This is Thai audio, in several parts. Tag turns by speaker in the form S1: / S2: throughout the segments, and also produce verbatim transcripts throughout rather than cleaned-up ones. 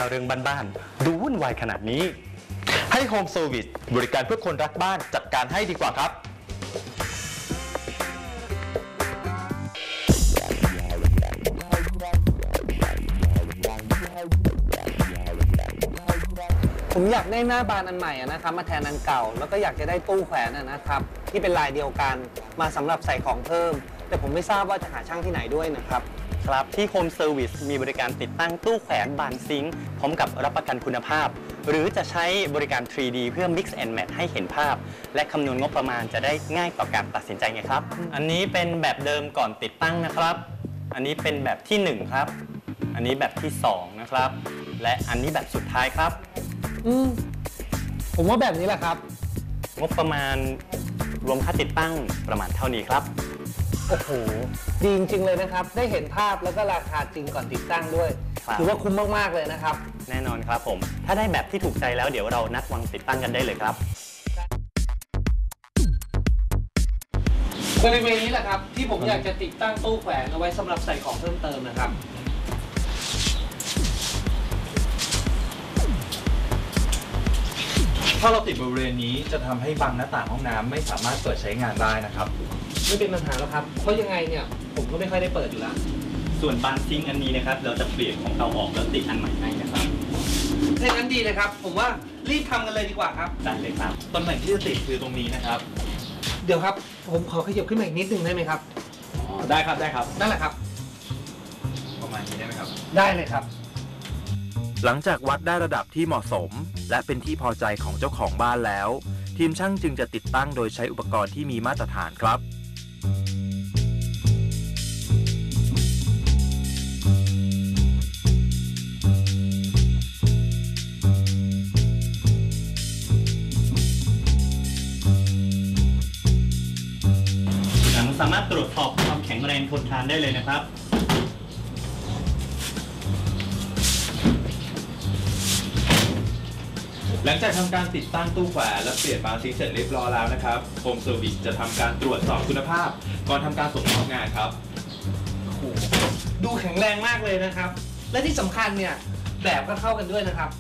S1: เรื่องบ้านๆดูวุ่นวายขนาดนี้
S2: ให้ Home Service บริการเพื่อคนรักบ้านจัดการให้ดีกว่าครับ
S3: ผมอยากได้หน้าบานอันใหม่นะครับมาแทนอันเก่าแล้วก็อยากจะได้ตู้แขวนนะครับที่เป็นลายเดียวกันมาสำหรับใส่ของเพิ่มแต่ผมไม่ทราบว่าจะหาช่างที่ไหนด้วยนะครับ
S1: ครับที่ Home Service มีบริการติดตั้งตู้แขวนบานซิงค์พร้อมกับรับประกันคุณภาพหรือจะใช้บริการ ทรี ดี เพื่อ Mix and Match ให้เห็นภาพและคำนวณงบประมาณจะได้ง่ายต่อการตัดสินใจไงครับอันนี้เป็นแบบเดิมก่อนติดตั้งนะครับอันนี้เป็นแบบที่หนึ่งครับอันนี้แบบที่สองนะครับและอันนี้แบบสุดท้ายครับ
S3: อืมผมว่าแบบนี้แหละครับ
S1: งบประมาณรวมค่าติดตั้งประมาณเท่านี้ครับ
S3: โอ้โหดีจริงๆเลยนะครับได้เห็นภาพแล้วก็ราคาจริงก่อนติดตั้งด้วยถือว่าคุ้มมากๆเลยนะครับ
S1: แน่นอนครับผมถ้าได้แบบที่ถูกใจแล้วเดี๋ยวเรานัดวันติดตั้งกันได้เลยครับ
S3: บริเวณนี้แหละครับที่ผมอยากจะติดตั้งตู้แขวนเอาไว้สำหรับใส่ของเพิ่มเติมนะครับ
S2: ถ้าเราติดบริเวณนี้จะทำให้บังหน้าต่างห้องน้ำไม่สามารถเปิดใช้งานได้นะครับ
S3: ไม่เป็นปัญหาแล้วครับเพราะยังไงเนี่ยผมก็ไม่ค่อยได้เปิดอยู่แล้ว
S1: ส่วนบานซิงค์อันนี้นะครับเราจะเปลี่ยนของเก่าออกแล้วติดอันใหม่ให้นะครับ
S3: ถ้างั้นดีเลยครับผมว่ารีบทำกันเลยดีกว่าครับ
S1: ได้เลยครับ
S2: ตำแหน่งที่จะติดคือตรงนี้นะครับ
S3: เดี๋ยวครับผมขอขยับขึ้นมาอีกนิดนึงได้ไหมครับ
S2: อ๋อได้ครับได้ครับ
S3: นั่นแหละครับ
S2: ประมาณนี้ได้ไหมครับ
S3: ได้เลยครับ
S4: หลังจากวัดได้ระดับที่เหมาะสมและเป็นที่พอใจของเจ้าของบ้านแล้วทีมช่างจึงจะติดตั้งโดยใช้อุปกรณ์ที่มีมาตรฐานครับ
S1: สามารถตรวจสอบความแข็งแรงทนทานได้เลยนะครับ
S2: หลังจากทำการติดตั้งตู้แขวนและเปลี่ยนบานซิงค์เสร็จเรียบร้อยแล้วนะครับ Home Service จะทำการตรวจสอบคุณภาพก่อนทำการส่งมอบงานครับ
S3: โอ้โหดูแข็งแรงมากเลยนะครับและที่สำคัญเนี่ยแบบก็เข้ากันด้วยนะครับ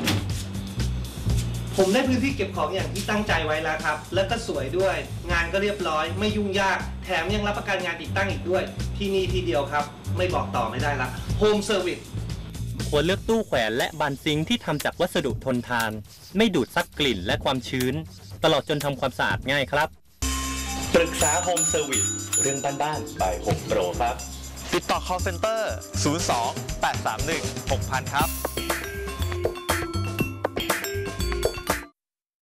S3: ผมได้พื้นที่เก็บของอย่างที่ตั้งใจไว้แล้วครับแล้วก็สวยด้วยงานก็เรียบร้อยไม่ยุ่งยากแถมยังรับประกันงานติดตั้งอีกด้วยที่นี่ที่เดียวครับไม่บอกต่อไม่ได้ละ Home Service
S1: ควรเลือกตู้แขวนและบานซิงค์ที่ทำจากวัสดุทนทานไม่ดูดซับกลิ่นและความชื้นตลอดจนทำความสะอาดง่ายครับปรึกษา Home Service เรื่องบ้านๆ by Home Pro ครับ
S2: ติดต่อ call center ศูนย์ สอง แปด สาม หนึ่ง หก ศูนย์ ศูนย์ ครับ